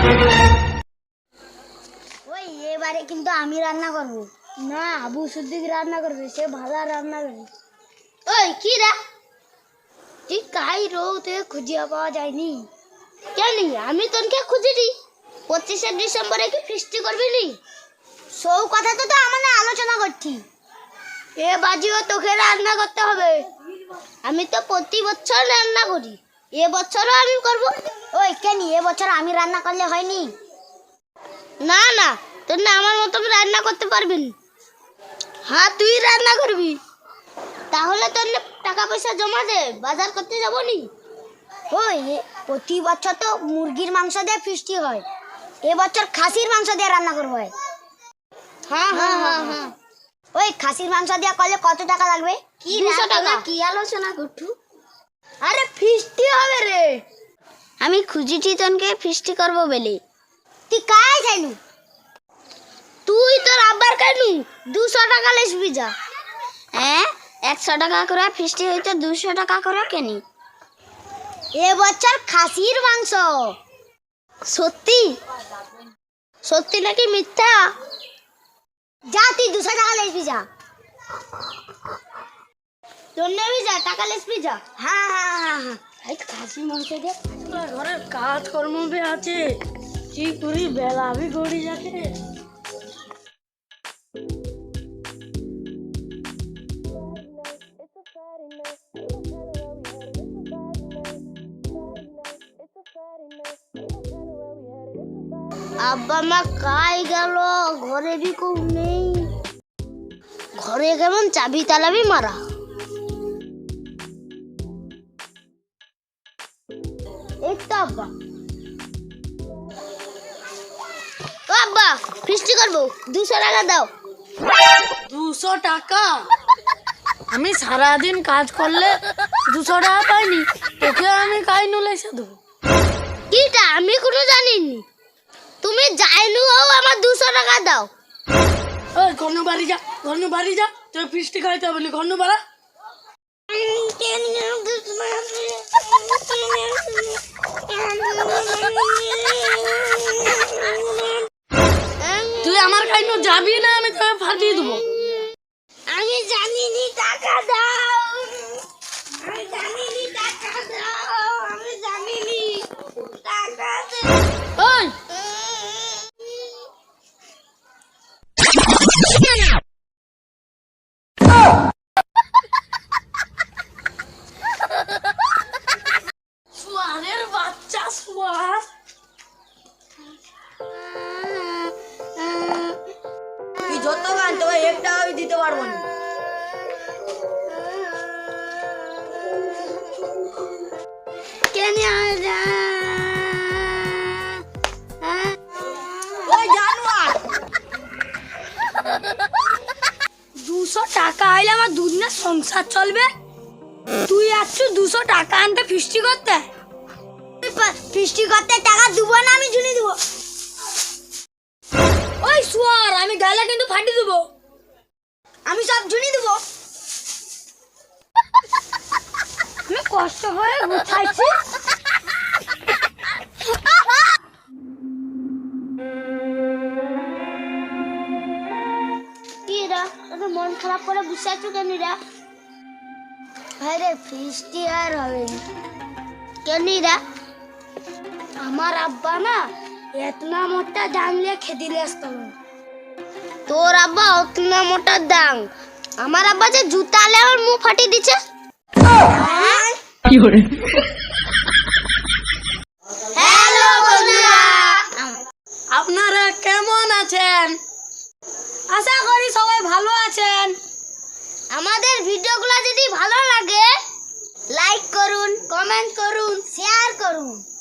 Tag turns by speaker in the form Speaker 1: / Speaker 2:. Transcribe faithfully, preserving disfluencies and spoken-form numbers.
Speaker 1: ওই এবারে কিন্তু আমি রান্না করব না, আবু সিদ্দিক রান্না করবে, সে ভালো রান্না করবে। ওই কি রে, তুই কাই রোগ থেকে খুঁজিয়া পাওয়া যায়নি কেন? আমি তোকে খুঁজিনি। পঁচিশে ডিসেম্বরে কি ফিস্টি করবি নি? সৌ কথা তো তো আমরা আলোচনা করছি। এ বাজিও তোকে রান্না করতে হবে। আমি তো প্রতি বছর রান্না করি, এ বছরও আমি করব। ওই কেন এ বছর আমি রান্না করলে হয়নি? না না, তোর না আমার মতন রান্না করতে পারবি না। হ্যাঁ তুই রান্না করবি, তাহলে তোর টাকা পয়সা জমা দে, বাজার করতে যাবো নি। ওই প্রতি বছর তো মুরগির মাংস দিয়ে ফিস্টি হয়, এবছর খাসির মাংস দিয়ে রান্না করবো। হ্যাঁ হ্যাঁ হ্যাঁ হ্যাঁ। ওই খাসির মাংস দিয়ে করলে কত টাকা লাগবে? কি দুশো টাকা। কি আলোচনা করছু? আরে ফিস্টি হবে রে। আমি খুঁজিছি তোকে ফিস্টি করবো বলে। তুই কাই যাইনু? তুই তোর আব্বার কাইনু দুশো টাকা লেসবি যা। হ্যাঁ একশো টাকা করে ফিস্টি হইতে দুশো টাকা করে কেনি? এবছর খাসির মাংস। সত্যি? সত্যি নাকি মিথ্যা? যা তুই দুশো টাকা লেসবি যা। তোর নেবি যা, টাকা লেসবি যা। হ্যাঁ হ্যাঁ হ্যাঁ হ্যাঁ। এই খাসি মাংস দে,
Speaker 2: ঘরের কাজ কর্ম আছে, কি করি বেলা আমি গড়ি যাকে।
Speaker 1: আব্বা মা কাই গেল, ঘরে বি কেউ নেই। ঘরে কেমন চাবি তালাবি মারা। এই তো আব্বা। ও আব্বা, ফিস্টি করবো, দুশো টাকা দাও।
Speaker 2: দুশো টাকা? আমি সারাদিন কাজ করলে দুশো টাকা পাইনি, তোকে আমি কাই নুলে এসে দেবো।
Speaker 1: কিটা আমি কোনো জানিনি। তুমি যাইনু হও, আমার দুশো টাকা দাও।
Speaker 2: ওই ঘন্য বাড়ি যা, ঘন্য বাড়ি যা, তুই ফিস্টি খাইতে হবে না, ঘন্য বাড়া। তুই আমার কাইনো যাবি না, আমি তোকে ফাটিয়ে দেবো।
Speaker 1: আমি জানিনি, টাকা দাও। আমি জানিনি, টাকা দাও। আমি জানিনি, টাকা দাও।
Speaker 2: ওই সোয়ারের বাচ্চা সোয়ার, তুই যত গান তবে একটা আমি দিতে পারবো না।
Speaker 1: কেন
Speaker 2: ওই জানোয়ার, দুশো টাকা আইলে আমার দুধ না সংসার চলবে, তুই আসছু দুশো টাকা আনতে ফিস্টি করতে।
Speaker 1: ফিস্টি করতে টাকা দেবো না, আমি ঝুলি দেবো।
Speaker 2: ওই সোয়ার, আমি গালে কিন্তু ফাটি দেবো।
Speaker 1: আমি সব ঝুলি দেবো।
Speaker 2: আমি কষ্ট করে গুছাইছি।
Speaker 1: মন খারাপ করে বসে আছো কেন রা? আরে ফিস্টি আর হবে কেন রা? আমার আব্বা না এতনা মোটা ডাং নিয়ে খেদিলে আসতো। তোর আব্বা অতনা মোটা ডাং? আমার আব্বা যে জুতা লে আমার মুখ ফাটিয়ে দিচ্ছে। হ্যালো বন্ধুরা,
Speaker 2: আপনারা কেমন আছেন? আশা করি সবাই ভালো আছেন।
Speaker 1: আমাদের ভিডিওগুলো যদি ভালো লাগে লাইক করুন, কমেন্ট করুন, শেয়ার করুন।